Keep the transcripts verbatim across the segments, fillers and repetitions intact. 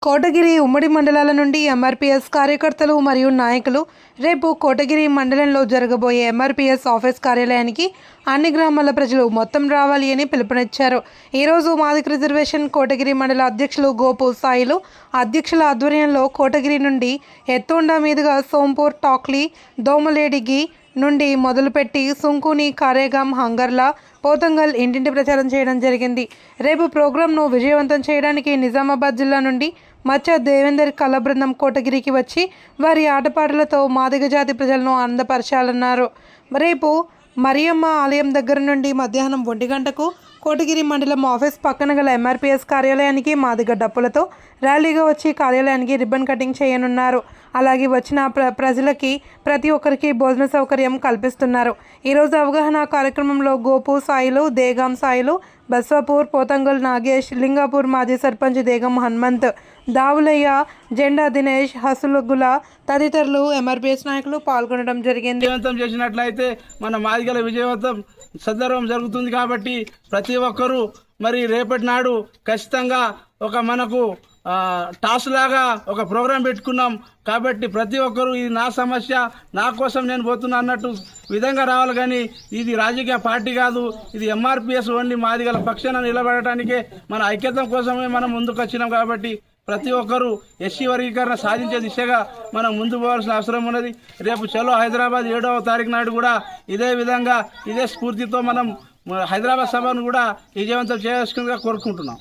కోటగిరి ఉమ్మడి మండలాల నుండి ఎంఆర్పీఎస్ కార్యకర్తలు మరియు నాయకులు రేపు కోటగిరి మండలంలో జరగబోయే ఎంఆర్పీఎస్ ఆఫీస్ కార్యాలయానికి అన్ని గ్రామాల ప్రజలు మొత్తం రావాలి అని పిలుపునిచ్చారు. ఈరోజు మాదిగ రిజర్వేషన్ కోటగిరి మండల అధ్యక్షులు గోపు సాయిలు అధ్యక్షుల ఆధ్వర్యంలో కోటగిరి నుండి ఎత్తోండా మీదుగా సోంపూర్, టాక్లీ, దోమలేడిగి నుండి మొదలుపెట్టి సుంకుని, కారేగాం, హంగర్లా, పోతంగల్ ఇంటింటి ప్రచారం చేయడం జరిగింది. రేపు ప్రోగ్రాంను విజయవంతం చేయడానికి నిజామాబాద్ జిల్లా నుండి మచ్చ దేవేందర్ కళా బృందం కోటగిరికి వచ్చి వారి ఆటపాటలతో మాదిగ జాతి ప్రజలను ఆనందపరచాలన్నారు. రేపు మరియమ్మ ఆలయం దగ్గర నుండి మధ్యాహ్నం ఒంటి గంటకు కోటగిరి మండలం ఆఫీస్ పక్కన గల ఎంఆర్పీఎస్ కార్యాలయానికి మాదిగ డప్పులతో ర్యాలీగా వచ్చి కార్యాలయానికి రిబ్బన్ కటింగ్ చేయనున్నారు. అలాగే వచ్చిన ప్ర ప్రజలకి ప్రతి ఒక్కరికి భోజన సౌకర్యం కల్పిస్తున్నారు. ఈరోజు అవగాహన కార్యక్రమంలో గోపు సాయిలు, దేగాం సాయిలు, బస్వాపూర్, పోతంగల్ నాగేష్, లింగాపూర్ మాజీ సర్పంచ్ దేగం హనుమంత్, దావులయ్య, జెండా దినేష్, హసులుగుల తదితరులు ఎంఆర్పీఎస్ నాయకులు పాల్గొనడం జరిగింది. విజయవంతం చేసినట్లయితే మన మాదిగల విజయవంతం సందర్భం జరుగుతుంది. కాబట్టి ప్రతి ఒక్కరూ మరి రేపటి నాడు ఖచ్చితంగా ఒక మనకు టాస్ లాగా ఒక ప్రోగ్రాం పెట్టుకున్నాం. కాబట్టి ప్రతి ఒక్కరూ ఇది నా సమస్య, నా కోసం నేను పోతున్నా అన్నట్టు విధంగా రావాలి. కానీ ఇది రాజకీయ పార్టీ కాదు, ఇది ఎంఆర్పీఎస్ ఓన్లీ మాదిగల పక్షాన నిలబడటానికే, మన ఐక్యత కోసమే మనం ముందుకు వచ్చినాం. కాబట్టి ప్రతి ఒక్కరూ ఎస్సీ వర్గీకరణ సాధించే దిశగా మనం ముందు పోవాల్సిన అవసరం ఉన్నది. రేపు చలో హైదరాబాద్ ఏడవ తారీఖు నాడు కూడా ఇదే విధంగా ఇదే స్ఫూర్తితో మనం హైదరాబాద్ సభను కూడా విజయవంతం చేయాల్సిందిగా కోరుకుంటున్నాం.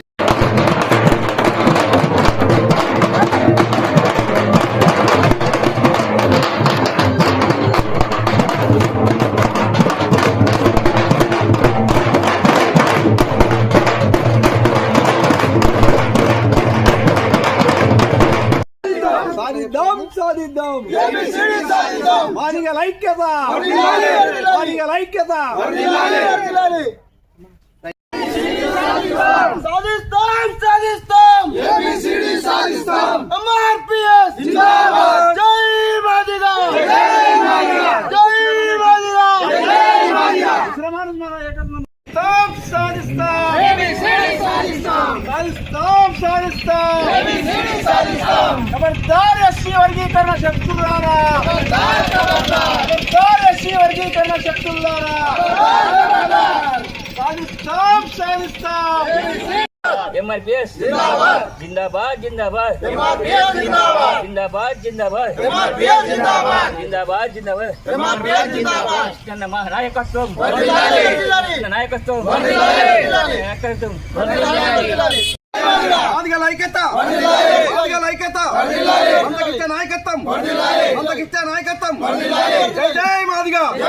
సాధిద్దాం సాధిద్దాం మాదిగల ఐక్యత మాదిగల ఐక్యత సాధిస్తాం సాధిస్తాం ఏబిసిడి సాధిస్తాం ఎంఆర్పీఎస్ జిందాబాద్ జై మాదిగ జై మాదిగ జై మాదిగ జై మాదిగ శ్రమణ మన ఏకత్వం సాధిస్తాం ఏబిసిడి సాధిస్తాం సాధిస్తాం సాధిస్తాం ఏబిసిడి సాధిస్తాం ఖబర్దార్ ఎస్సీ వర్గీకరణ శక్తులారా ఖబర్దార్ ఖబర్దార్ ఖబర్దార్ ఎస్సీ వర్గీకరణ శక్తులారా ఖబర్దార్ సాధిస్తాం సాధిస్తాం ఎంఆర్పీఎస్ జిందాబాద్ జిందాబాద్ జిందాబాద్ ఎంఆర్పీఎస్ జిందాబాద్ జిందాబాద్ జిందాబాద్ ఎంఆర్పీఎస్ జిందాబాద్ జిందాబాద్ జిందాబాద్ ఎంఆర్పీఎస్ జిందాబాద్ కన్న మా నాయకత్వం వర్ధిల్లాలి నాయకత్వం వర్ధిల్లాలి నాయకత్వం వర్ధిల్లాలి మాదిగల ఐక్యత వర్ధిల్లాలి మాదిగల ఐక్యత వర్ధిల్లాలి మందకిచ్చే నాయకత్వం వర్ధిల్లాలి మందకిచ్చే నాయకత్వం వర్ధిల్లాలి జై జై మాదిగ